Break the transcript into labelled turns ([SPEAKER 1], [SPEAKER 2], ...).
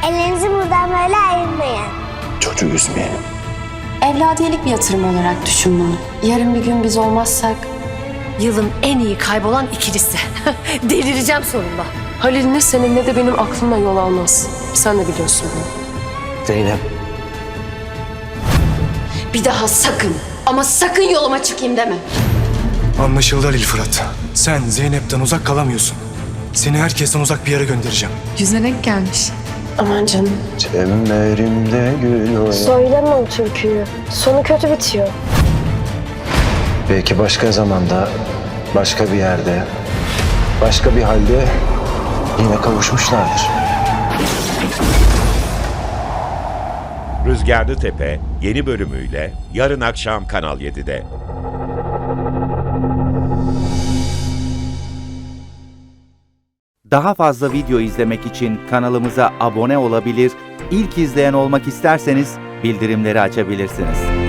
[SPEAKER 1] Ellerinizi buradan böyle ayırmayın.
[SPEAKER 2] Çocuğu üzmeyelim.
[SPEAKER 3] Evladiyelik bir yatırım olarak düşün bunu. Yarın bir gün biz olmazsak
[SPEAKER 4] Yılın en iyi kaybolan ikilisi. Delireceğim sonunda.
[SPEAKER 5] Halil ne senin ne de benim aklımla yol almaz. Sen de biliyorsun bunu.
[SPEAKER 2] Zeynep.
[SPEAKER 3] bir daha sakın ama sakın yoluma çıkayım deme.
[SPEAKER 6] Anlaşıldı Halil Fırat. Sen Zeynep'ten uzak kalamıyorsun. Seni herkesten uzak bir yere göndereceğim.
[SPEAKER 7] Yüzüne renk gelmiş.
[SPEAKER 5] Aman canım.
[SPEAKER 2] Çemberimde gül oya.
[SPEAKER 5] Söyleme o türküyü. Sonu kötü bitiyor.
[SPEAKER 2] Belki başka zamanda, başka bir yerde, başka bir halde yine kavuşmuşlardır.
[SPEAKER 8] Rüzgarlı Tepe yeni bölümüyle yarın akşam Kanal 7'de.
[SPEAKER 9] Daha fazla video izlemek için kanalımıza abone olabilir, ilk izleyen olmak isterseniz bildirimleri açabilirsiniz.